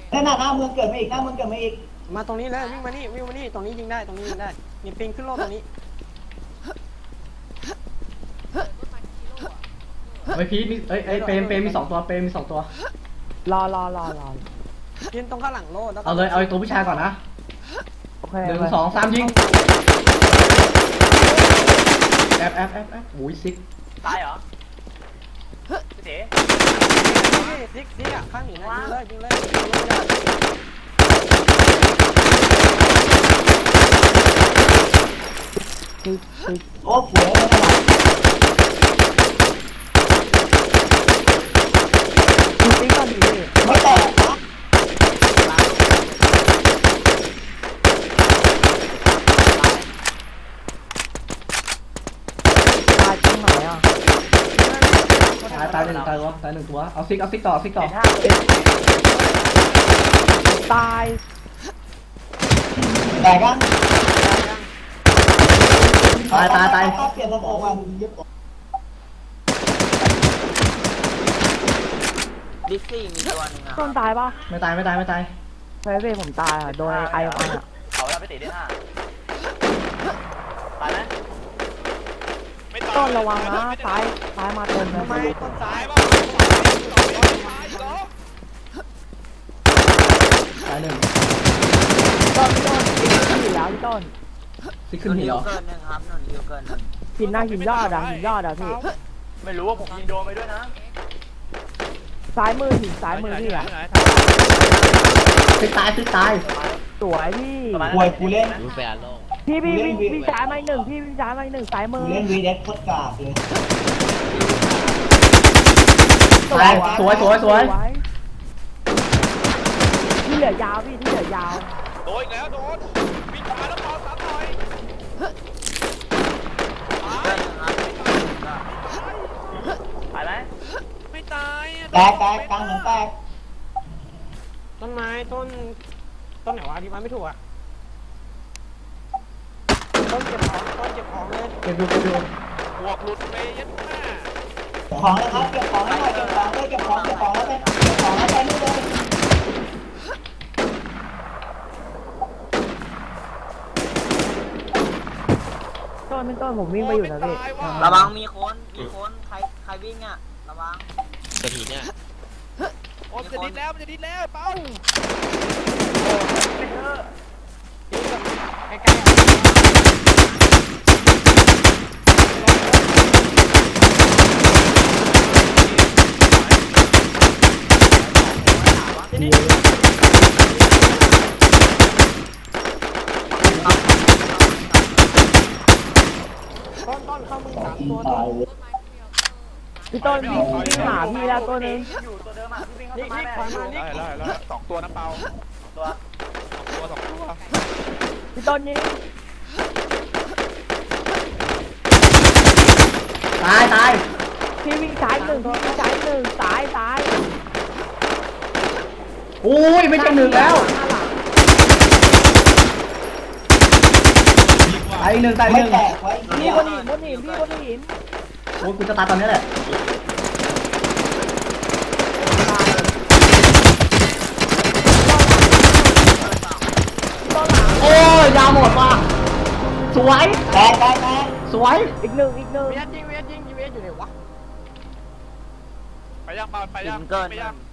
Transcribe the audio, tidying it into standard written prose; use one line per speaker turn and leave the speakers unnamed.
หน้าเมืองเกิดมาอีกหน้าเมืองเกิดมาอีก
มาตรงนี้เลยวิ่งมานี่ตรงนี้ยิงได้ตรงนี้ยิงได้นี่ปิงขึ้นโลตรงนี้
เฮ้ยพีมีเอ้ยเปรมมี2 ตัวเปรมมี2 ตัว
รอ
ยืนตรงข้างหลังโลแล้ว
เอาเลยเอาตัวผู้ชายก่อนนะ
โอเค
1 2 3ยิงแอบโอ้ยซิก
ตายเหรอพี่เต๋
ซิกอ่ะข้างหนีนะยิงเลย
โอ้สวยเลยนะ
ตีก่อนดิ
ไม่แตกนะ
ตายตรงไหนอ่ะ
ตาย1ตัวเอาซิกต่อ
ตาย
แตกกัน
ตาย
เปลี่ยนสมองมา
ดิสซี่มีตัวนึงอ่ะ
ต้นตายปะ
ไม่ตาย
เฟยผมตายอ่ะโดนไอออนอ่ะ
เขาแล้วพี่เต๋ได้5ตายไหม
ต้นระวังนะซ้ายมาเต็มเลย
ไม่ต้นซ้าย
ตาย1
ต้นอยู่แล้วพี่ต้น
ซิกขึ้นหินเหรอ
เกินนึงครับนนฮิวเกิน
หินหน้าหินยอดอ่ะพี่
ไม่รู้ว่าผมยิงโดนไปด้วยนะ
ซ้ายมือหินซ้ายมือพี่อ่ะ
ซิกตาย
สวยพี่
ป่วยกูเล่น
พี่ซ้ายมา1พี่ซ้ายมา1ซ้ายมือ
เล่นวีเด็กโคตรกากเลย
สวย
ที่เหลือยาวพี่ที่เหลือยาว
โดนอีกแล้วโดนวิ่งมาแล้วเป่า3หน่อยตายไหมไม่ตาย
แตกกลางหนึ่งแตก
ต้นไม้ต้นไหนวะที่มันไม่ถูกอ่ะต้นเก็บของเลย
เก็บดู
หัวหลุดไปยัดหน้า
ของนะครับเก็บของให้หน่อยเก็บของแล้วไปนู่นเลย
ต้นผมวิ่งไปอยู่นะพี่
ระวังมีคนใครวิ่งอ่ะระวัง
กระถิ่นเนี่ย
โอ้มันจะดิ้นแล้วเป้า
ใกล้ต้นเข้ามึง3 ตัว
พี่ต้นวิ่งหาพี่แล้วตัวนึง
อยู่ตัวเดิมอ่ะพี่วิ่งเข้า
นี่ขวามานี่
ได้2 ตัวนะเปา2 ตัว
พี่ต้นนี่
ตาย
พี่วิ่งซ้าย1พี่วิ่งซ้าย1ตาย
โอ้ยไม่ใช่1แล้วตาย1
พี่บนหิน
โอ้ยกูจะตายตอนนี้แหละโอ้ยยาวหมดว่ะสวย
แตก
สวย
อีกหนึ่ง
เวียดยิงอยู่ไหนวะ
ไปยังเปาไปยัง